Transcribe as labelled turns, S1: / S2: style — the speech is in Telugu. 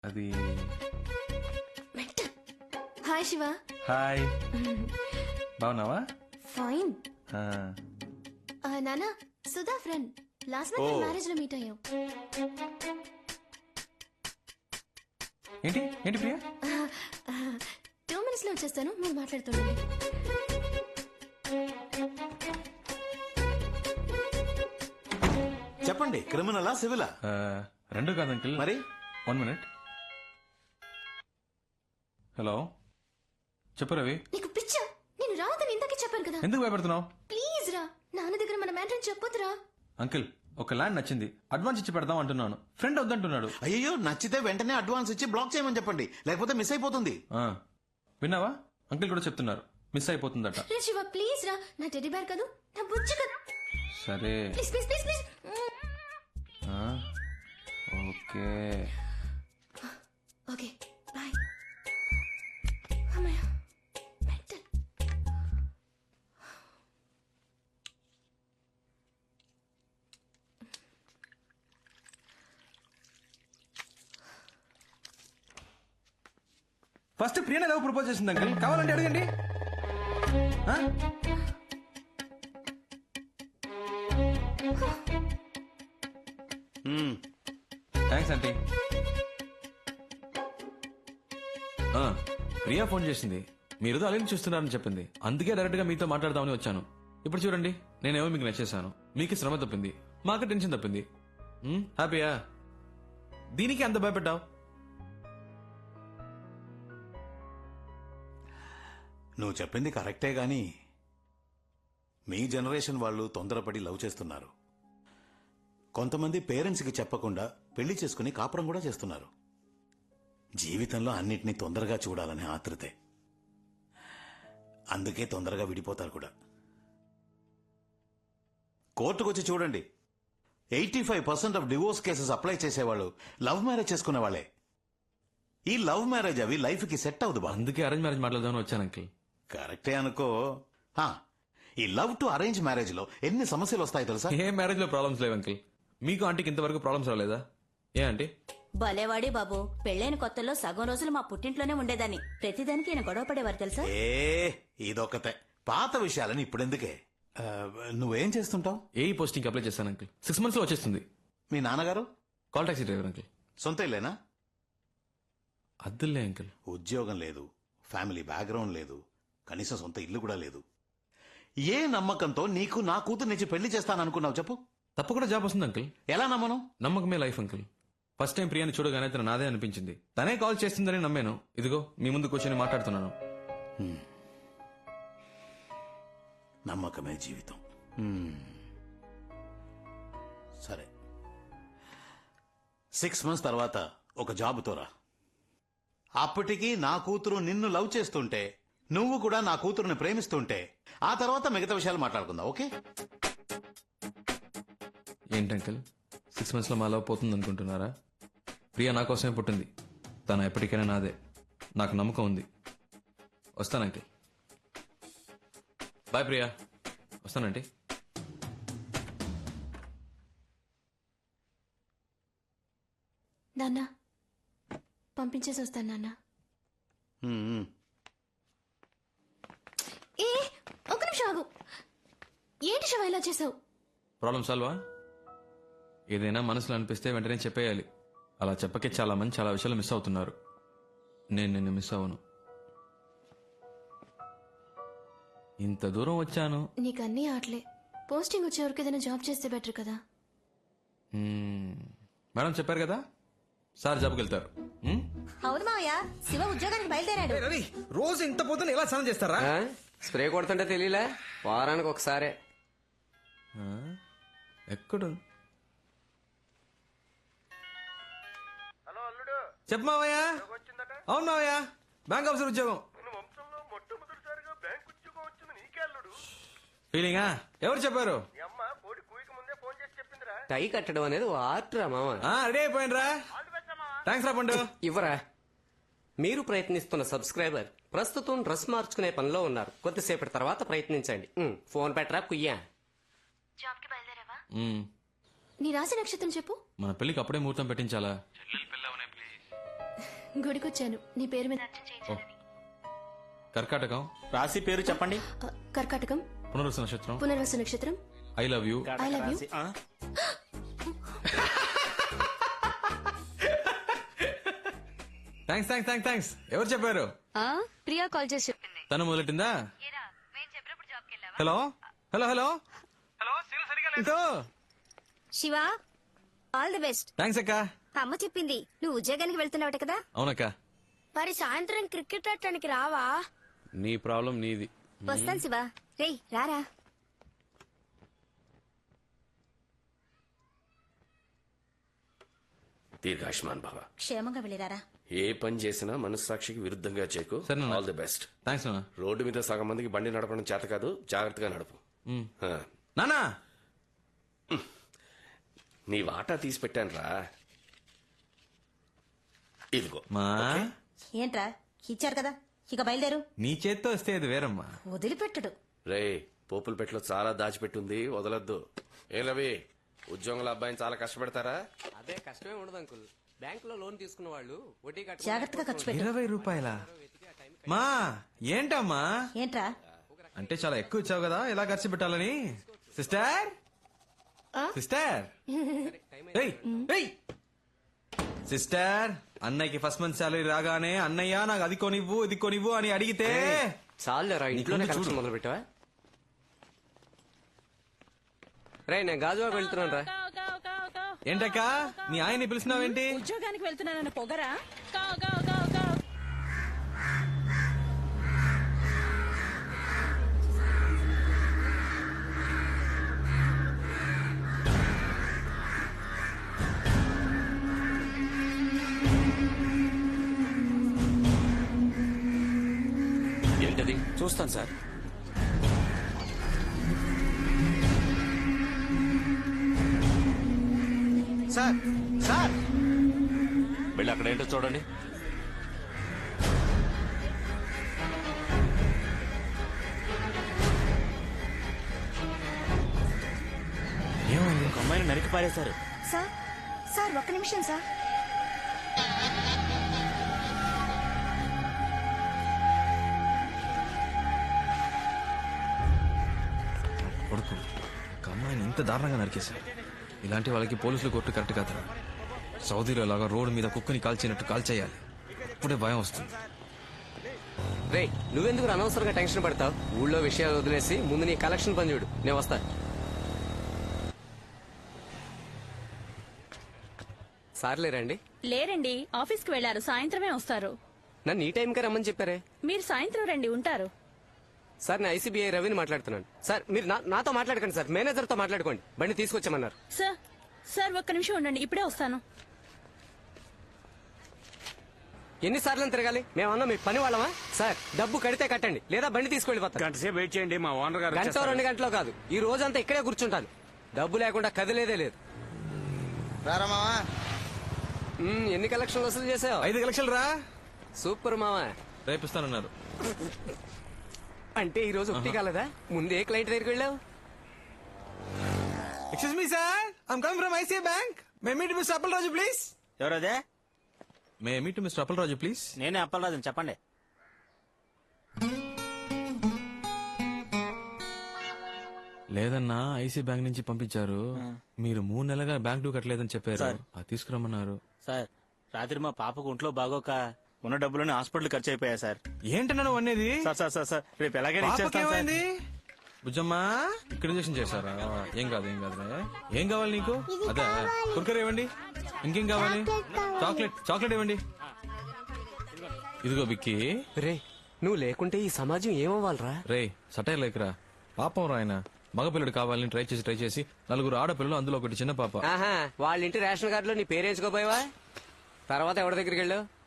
S1: అది
S2: హాయ్ శివ.
S1: హాయ్, బాగున్నావా?
S2: ఫైన్.
S1: ఆ,
S2: నానా, Sudha friend. Last month marriage లో మీట్ అయ్యాం.
S1: ఏంటి ఏంటి ప్రియా?
S2: 2 minutes లో వచ్చేస్తాను, మీరు మాట్లాడుతుండండి.
S3: చెప్పండి, క్రిమినలా సివిలా?
S1: రెండు కాదు అంకిల్.
S3: మరి
S1: 1 minute. హలో, చెప్పు రవి.
S2: నీకు పిచ్చా? నేను రావద్దని ఇందాకే చెప్పాను కదా.
S1: ఎందుకు భయపడుతున్నావు?
S2: ప్లీజ్ రా, నాన్న దగ్గర మన మ్యాటర్ చెప్పొద్దురా.
S1: అంకిల్, ఒక ల్యాండ్ నచ్చింది, అడ్వాన్స్ ఇచ్చి పెడదాం అంటున్నాను. ఫ్రెండ్ వద్దంటున్నాడు.
S3: అయ్యో, నచ్చితే వెంటనే అడ్వాన్స్ ఇచ్చి బ్లాక్ చేయమని చెప్పండి, లేకపోతే మిస్ అయిపోతుంది.
S1: ఆ, విన్నావా? అంకిల్ కూడా చెప్తున్నారు, మిస్ అయిపోతుందట.
S2: రే శివ, ప్లీజ్ రా. నా టెడ్డీ బేర్ కదా, నా బుజ్జి కదా.
S1: సరే,
S2: ప్లీజ్ ప్లీజ్ ప్లీజ్ ప్లీజ్.
S1: ఆ, ఓకే.
S2: Okay, bye. అమ్మయ్య, మెంటల్.
S1: ఫస్ట్ ప్రియనే లవ్ ప్రపోజ్ చేసింది అంకిల్, కావాలంటే అడగండి. ఆ? Thanks aunty. ప్రియా ఫోన్ చేసింది, మీరు అలీని చూస్తున్నారని చెప్పింది. అందుకే డైరెక్ట్ గా మీతో మాట్లాడదామని వచ్చాను. ఇప్పుడు చూడండి, నేనేమో మీకు నచ్చేసాను, మీకు శ్రమ తప్పింది, మాకు టెన్షన్ తప్పింది. హ్యాపీయా? దీనికి అంత భయపడ్డావు?
S3: నువ్వు చెప్పింది కరెక్టే గాని మీ జనరేషన్ వాళ్ళు తొందరపడి లవ్ చేస్తున్నారు. కొంతమంది పేరెంట్స్ కి చెప్పకుండా పెళ్లి చేసుకుని కాపురం కూడా చేస్తున్నారు. జీవితంలో అన్నిటినీ తొందరగా చూడాలనే ఆతృతే. అందుకే తొందరగా విడిపోతారు కూడా. కోర్టుకొచ్చి చూడండి, 85% ఆఫ్ డివోర్స్ కేసెస్ అప్లై చేసేవాళ్ళు లవ్ మ్యారేజ్ చేసుకునే వాళ్ళే. ఈ లవ్ మ్యారేజ్ అవి లైఫ్ కి సెట్ అవ్వదు బా.
S1: అందుకే అరేంజ్ మ్యారేజ్ మాట్లాడదామని వచ్చాను అంకిల్.
S3: కరెక్టే అనుకో. ఈ లవ్ టు అరేంజ్ మ్యారేజ్ లో ఎన్ని సమస్యలు వస్తాయి తెలుసా?
S1: ఏ మ్యారేజ్ లో ప్రాబ్లమ్స్ లేవు అంకిల్. మీకు ఆంటీకి ఇంతవరకు ప్రాబ్లమ్స్ రాలేదా? ఏ ఆంటీ?
S4: భలేవాడి బాబు, పెళ్ళైన కొత్తలో సగం రోజులు మా పుట్టింట్లోనే ఉండేదాన్ని. ప్రతిదానికి ఈయన గొడవ పడేవారు తెలుసా?
S3: ఇదొకతే. పాత విషయాలని ఇప్పుడెందుకే? నువ్వేం చేస్తుంటావు?
S1: ఏ పోస్టింగ్ అప్లై చేశాను అంకిల్, 6 months లో వచ్చేస్తుంది.
S3: మీ నాన్నగారు?
S1: Call taxi driver uncle.
S3: సొంత ఇల్లేనా?
S1: అద్దులే అంకిల్.
S3: ఉద్యోగం లేదు, ఫ్యామిలీ బ్యాక్గ్రౌండ్ లేదు, కనీసం సొంత ఇల్లు కూడా లేదు. ఏ నమ్మకంతో నీకు నా కూతురు నుంచి పెళ్లి చేస్తాననుకున్నావు చెప్పు?
S1: తప్పకుండా జాబ్ వస్తుంది అంకిల్.
S3: ఎలా నమ్మను?
S1: నమ్మకమే లైఫ్ అంకిల్. ఫస్ట్ టైం ప్రియాని చూడగానే తన నాదే అనిపించింది. తనే కాల్ చేస్తుందని నమ్మాను. ఇదిగో మీ ముందు కూర్చొని మాట్లాడుతున్నాను.
S3: నమ్మకమే జీవితం. సరే, 6 months తర్వాత ఒక జాబుతో రా. అప్పటికి నా కూతురు నిన్ను లవ్ చేస్తుంటే, నువ్వు కూడా నా కూతురుని ప్రేమిస్తుంటే, ఆ తర్వాత మిగతా విషయాలు మాట్లాడుకుందాం. ఓకే?
S1: ఏంటి అంకిల్, 6 months లో మా లవ్ పోతుంది అనుకుంటున్నారా? ప్రియా నా కోసమే పుట్టింది. తను ఎప్పటికైనా నాదే. నాకు నమ్మకం ఉంది. వస్తాను అంకిల్. బాయ్ ప్రియా. వస్తానంటీ.
S2: నాన్న, పంపించేసి వస్తాను నాన్న. ఏ, ఒక నిమిషం ఆగు. ఏంటి శివ ఇలా చేసావు?
S1: ప్రాబ్లం సాల్వా? ఏదైనా మనసులో అనిపిస్తే వెంటనే చెప్పేయాలి. అలా చెప్పకే చాలా మంది చాలా విషయాలు మిస్ అవుతున్నారు. నేను నిన్ను మిస్ అవ్వను. ఇంత దూరం వచ్చాను.
S2: నీకు అన్నీ ఆటలే. పోస్టింగ్ వచ్చే వరకు ఏదైనా జాబ్ చేస్తే బెటర్ కదా.
S1: మేడం చెప్పారు కదా, సార్ జాబ్కి వెళ్తారు.
S4: అవును మావయ్య, శివ ఉద్యోగానికి బయలుదేరాడు.
S1: రవి, రోజు ఇంత పొద్దున ఎలా స్నానం చేస్తారా?
S5: స్ప్రే కొడుతుంటే తెలియలే, వారానికి ఒకసారే.
S1: ఎక్కడ? చెప్పు మావయ్య. అవును మావయ్య, బ్యాంక్ ఆఫీసర్ ఉద్యోగం. ఫీలింగా? ఎవరు చెప్పారు?
S5: టై కట్టడం అనేది ఓ ఆర్ట్ రా మామ.
S1: రెడీ అయిపోయినరా? థ్యాంక్స్ రా పండు.
S5: ఇవ్వరా. మీరు ప్రయత్నిస్తున్న సబ్స్క్రైబర్ ప్రస్తుతం డ్రెస్ మార్చుకునే పనిలో ఉన్నారు. కొద్దిసేపటి తర్వాత ప్రయత్నించండి. ఫోన్ పెట్టరా కుయ్యా.
S2: జాబ్కి బయలుదేరావా? నీ రాశి నక్షత్రం చెప్పు.
S1: మన పెళ్లికి అప్పుడే ముహూర్తం పెట్టించాలా?
S2: గుడికొచ్చాను నీ పేరు మీద
S1: ఓ. కర్కాటకం,
S6: రాశి పేరు చెప్పండి.
S2: కర్కాటకం,
S1: పునరుస నక్షత్రం,
S2: పునర్వసు నక్షత్రం.
S1: I love you.
S2: I love you.
S6: రాశి, ఆ?
S1: Thanks thanks thanks thanks. ఎవరు చెప్పారు?
S2: ప్రియా కాల్ చేసి చెప్పింది.
S1: తను మొదలెట్టిందా? Hello hello hello hello.
S7: Shiva all the best.
S1: Thanks అక్క.
S7: అమ్మ చెప్పింది నువ్వు ఉద్యోగానికి వెళ్తున్నావట కదా.
S1: అవునక్క.
S7: మరి సాయంత్రం క్రికెట్ ఆడటానికి రావా?
S1: నీ ప్రాబ్లం నీది.
S7: వస్తాను శివ. రేయ్ రారా.
S8: దీర్ఘాయుష్మాన్ భవ.
S4: క్షేమంగా వెళ్ళిరారా.
S8: ఏ పని చేసినా మనస్సాక్షికి విరుద్ధంగా చేయకు.
S1: సరే నాన్న.
S8: All the best.
S1: థ్యాంక్స్ నాన్న.
S8: రోడ్డు మీద సగం మందికి బండి నడపడం చేత కాదు, జాగ్రత్తగా నడుపు. ఆ.
S1: నానా
S8: నీ వాటా తీసి పెట్టాను రా. ఇదిగో.
S1: మా
S4: ఏంట్రా ఇచ్చారు కదా, ఇక బయలుదేరు.
S1: నీ చేత్తో వస్తే అది వేరమ్మా.
S4: వదిలిపెట్టడు.
S8: రే, పోపుల పెట్టలో చాలా దాచిపెట్టుంది, వదలొద్దు. ఏం రవి, ఉద్యోగుల అబ్బాయిని చాలా కష్టపెడతారా?
S5: అదే కష్టమే ఉండదు అంకుల్. బ్యాంక్ లో లోన్ తీసుకున్న వాళ్ళు వడ్డీ
S4: జాగ్రత్తగా ఖర్చు పెట్టు.
S1: 20 రూపాయల మా ఏంటమ్మా?
S4: ఏంట్రా
S1: అంటే చాలా ఎక్కువ ఇచ్చావు కదా, ఎలా ఖర్చు పెట్టాలని. సిస్టర్ సిస్టర్ ఏయ్, ఏయ్. సిస్టర్, అన్నయ్యకి ఫస్ట్ మంత్ సాలరీ రాగానే అన్నయ్య నాకు అది కొనివ్వు ఇది కొనివ్వు అని అడిగితే
S5: చాలు రా, ఇంట్లోనే
S1: నీకు
S5: కలెక్షన్
S1: చూడు.
S5: మొదలు పెట్టావా? రే, నేను గాజువాక వెళ్తున్నాను రా.
S1: ఏంటక్క నీ ఆయన్ని పిలిచినావేంటి?
S9: ఉద్యోగానికి వెళ్తున్నానన్న పొగరా?
S8: ఏంటది?
S6: చూస్తాను సార్. సార్ సార్
S8: వెళ్ళి అక్కడ ఏంటో చూడండి.
S6: ఒక అమ్మాయిని నరికి పారేశారు.
S7: సార్ సార్ ఒక్క నిమిషం సార్.
S1: కొడుకు ఒక అమ్మాయిని ఇంత దారుణంగా నరికేశారు. ఇలాంటి వాళ్ళకి పోలీసులు కొట్టు కరెక్ట్ కాదు. సౌదీలో లాగా రోడ్డు మీద కుక్కని కాల్చినట్టు కాల్చేయాలి. అప్పుడే భయం వస్తుంది.
S5: రే, నువ్వెందుకు అనవసరంగా టెన్షన్ పడతావు? ఊళ్ళో విషయాలు వదిలేసి ముందు నీ కలెక్షన్ పని చూడు, నేను వస్తా. సార్లే రండి.
S9: లేరండి, ఆఫీస్ కి వెళ్లారు, సాయంత్రమే వస్తారు.
S5: నన్ను ఈ టైంకే రమ్మని చెప్పారే.
S9: మీరు సాయంత్రం రండి, ఉంటారు.
S5: సార్, నేను ఐసీబీఐ రవిని మాట్లాడుతున్నాను. సార్, మీరు నాతో మాట్లాడకండి సార్, మేనేజర్తో మాట్లాడుకోండి. బండి తీసుకొచ్చామన్నారు.
S9: సార్ సార్ ఒక్క నిమిషం ఉండండి, ఇప్పుడే వస్తాను.
S5: ఎన్నిసార్లు తిరగాలి? మేమన్నా మీ పని వాళ్ళమా? సార్, డబ్బు కడితే కట్టండి, లేదా బండి తీసుకెళ్ళిపోతాను.
S6: గంట సేపు వెయిట్ చేయండి, మా ఓనర్ గారు
S5: గంట
S6: వచ్చేస్తారు.
S5: 2 గంటలో కాదు, ఈ రోజంతా ఇక్కడే కూర్చుంటాను. డబ్బు లేకుండా కదిలేదే లేదు. ఎన్ని కలెక్షన్లు వసూలు చేసావు?
S1: 5 లక్షలు రా.
S5: సూపర్ మావా.
S1: రేపిస్తానన్నారు.
S5: అంటే ఈ రోజు ఒకటి కాలేదా? ముందే క్లయింట్ దగ్గరికి వెళ్ళావు.
S1: Excuse me sir, I'm coming from ICI bank. May meet mister Appalaraju please.
S6: ఎవరదే?
S1: May meet mister Appalaraju please.
S6: నేనే అప్పలరాజు, చెప్పండి.
S1: లేదన్నా, ఐసీ బ్యాంక్ నుంచి పంపించారు. మీరు 3 నెలలుగా బ్యాంక్ డ్యూ కట్టలేదని చెప్పారు. అది తీసుకురమ్మన్నారు.
S6: సార్, రాత్రి మా పాపకు ఒంట్లో బాగోక ఉన్న డబ్బులని హాస్పిటల్ ఖర్చు అయిపోయా సార్.
S1: ఏంటన్నా నువ్వు అనేది?
S6: సార్ సార్ సార్ సార్ రేపు ఎలాగైనా ఇచ్చేస్తాను సార్.
S1: పాపకేమైంది? బుజ్జమ్మా, ఇక్కడ ఇంజెక్షన్ చేశారా? ఏం కాదు ఏం కాదు. ఏం కావాలి నీకు? అదే కుర్కర్ ఇవ్వండి. ఇంకేం కావాలి? చాక్లెట్ ఇవ్వండి. ఇదిగో బిక్కి.
S5: రే, నువ్వు లేకుంటే ఈ సమాజం ఏమవ్వాలరా?
S1: రే, సటైర్ లేకరా. పాపం రా ఆయన. మగపిల్లడు కావాలని ట్రై చేసి 4 ఆడపిల్లలు, అందులో ఒకటి చిన్న పాప.
S5: ఆహా, వాళ్ళ ఇంటి రేషన్ కార్డులో నీ పేరేంచుకోపోయావా? తర్వాత ఎవరి దగ్గరికి వెళ్ళావు?